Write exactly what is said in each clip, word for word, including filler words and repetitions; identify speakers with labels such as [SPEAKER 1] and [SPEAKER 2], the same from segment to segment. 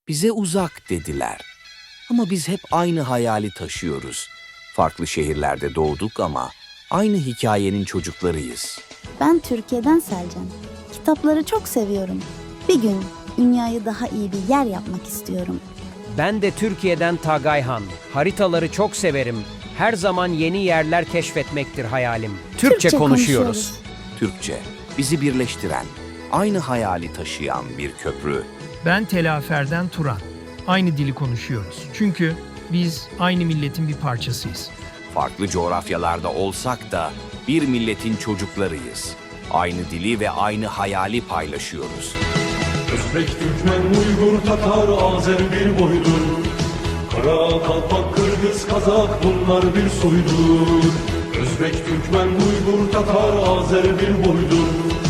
[SPEAKER 1] Bize uzak dediler. Ama biz hep aynı hayali taşıyoruz. Farklı şehirlerde doğduk ama aynı hikayenin çocuklarıyız.
[SPEAKER 2] Ben Türkiye'den Selcan. Kitapları çok seviyorum. Bir gün dünyayı daha iyi bir yer yapmak istiyorum.
[SPEAKER 3] Ben de Türkiye'den Tagayhan. Haritaları çok severim. Her zaman yeni yerler keşfetmektir hayalim. Türkçe,
[SPEAKER 2] Türkçe
[SPEAKER 3] konuşuyoruz.
[SPEAKER 2] konuşuyoruz.
[SPEAKER 1] Türkçe, bizi birleştiren, aynı hayali taşıyan bir köprü.
[SPEAKER 4] Ben Telafer'den Turan. Aynı dili konuşuyoruz. Çünkü biz aynı milletin bir parçasıyız.
[SPEAKER 1] Farklı coğrafyalarda olsak da bir milletin çocuklarıyız. Aynı dili ve aynı hayali paylaşıyoruz.
[SPEAKER 5] Özbek, Türkmen, Uygur, Tatar, Azer bir boydur. Kara, Kalpak, Kırgız, Kazak bunlar bir soydur. Özbek, Türkmen, Uygur, Tatar, Azer bir boydur.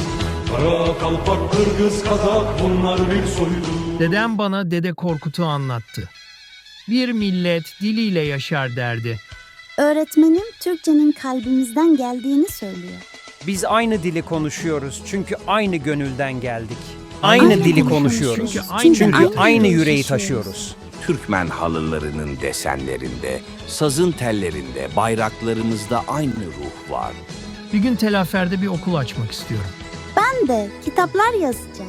[SPEAKER 5] Kara, Kalpak, Kırgız, Kazak bunlar bir soydur.
[SPEAKER 4] Dedem bana Dede Korkut'u anlattı. Bir millet diliyle yaşar derdi.
[SPEAKER 2] Öğretmenim Türkçenin kalbimizden geldiğini söylüyor.
[SPEAKER 3] Biz aynı dili konuşuyoruz çünkü aynı gönülden geldik. Aynı,
[SPEAKER 2] Aynı
[SPEAKER 3] dili
[SPEAKER 2] konuşuyoruz.
[SPEAKER 3] konuşuyoruz.
[SPEAKER 4] Çünkü
[SPEAKER 3] Çünkü,
[SPEAKER 4] aynı
[SPEAKER 3] aynı,
[SPEAKER 2] yüreği
[SPEAKER 3] yüreği
[SPEAKER 2] taşıyoruz.
[SPEAKER 3] taşıyoruz.
[SPEAKER 1] Türkmen halılarının desenlerinde, sazın tellerinde, bayraklarımızda aynı ruh var.
[SPEAKER 4] Bir gün Telafer'de bir okul açmak istiyorum.
[SPEAKER 2] Ben de kitaplar yazacağım.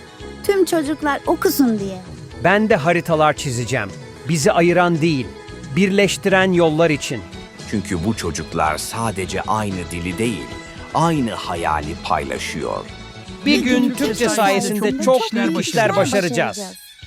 [SPEAKER 2] Tüm çocuklar okusun diye.
[SPEAKER 3] Ben de haritalar çizeceğim. Bizi ayıran değil, birleştiren yollar için.
[SPEAKER 1] Çünkü bu çocuklar sadece aynı dili değil, aynı hayali paylaşıyor.
[SPEAKER 3] Bir gün Türkçe sayesinde çok büyük işler başaracağız.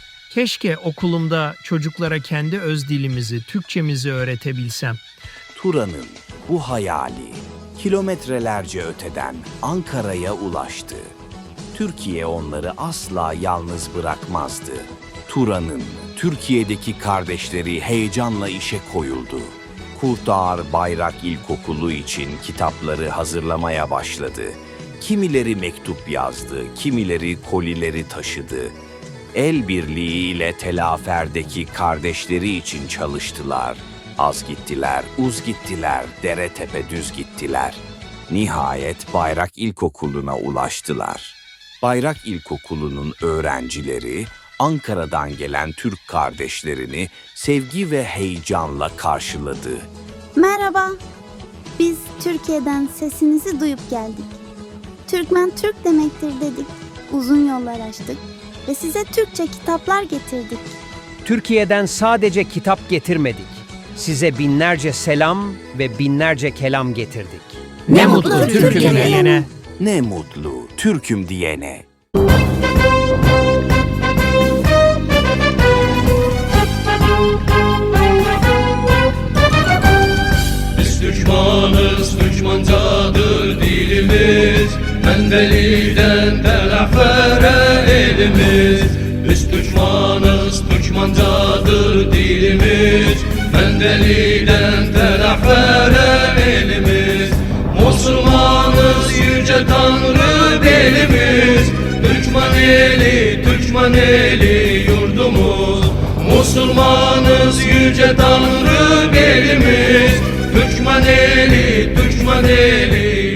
[SPEAKER 4] Keşke okulumda çocuklara kendi öz dilimizi, Türkçemizi öğretebilsem.
[SPEAKER 1] Turan'ın bu hayali kilometrelerce öteden Ankara'ya ulaştı. Türkiye onları asla yalnız bırakmazdı. Turan'ın Türkiye'deki kardeşleri heyecanla işe koyuldu. Kurtağar Bayrak İlkokulu için kitapları hazırlamaya başladı. Kimileri mektup yazdı, kimileri kolileri taşıdı. El birliğiyle Telafer'deki kardeşleri için çalıştılar. Az gittiler, uz gittiler, dere tepe düz gittiler. Nihayet Bayrak İlkokulu'na ulaştılar. Bayrak İlkokulu'nun öğrencileri Ankara'dan gelen Türk kardeşlerini sevgi ve heyecanla karşıladı.
[SPEAKER 2] Merhaba. Biz Türkiye'den sesinizi duyup geldik. Türkmen Türk demektir dedik. Uzun yollar açtık ve size Türkçe kitaplar getirdik.
[SPEAKER 3] Türkiye'den sadece kitap getirmedik. Size binlerce selam ve binlerce kelam getirdik.
[SPEAKER 2] Ne mutlu Türk'üm diyene.
[SPEAKER 1] Ne mutlu Türk'üm diyene.
[SPEAKER 5] Biz Türkmanız, Türkmancadır dilimiz. Mendeli'den Telafer'e elimiz. Biz Türkmanız, Türkmancadır dilimiz. Mendeli'den Telafer'e elimiz. Müslümanız, yüce Tanrı belimiz. Türkmen eli, Türkmen eli yurdumuz. Müslümanız, yüce Tanrı belimiz. Türkmen eli, Türkmen eli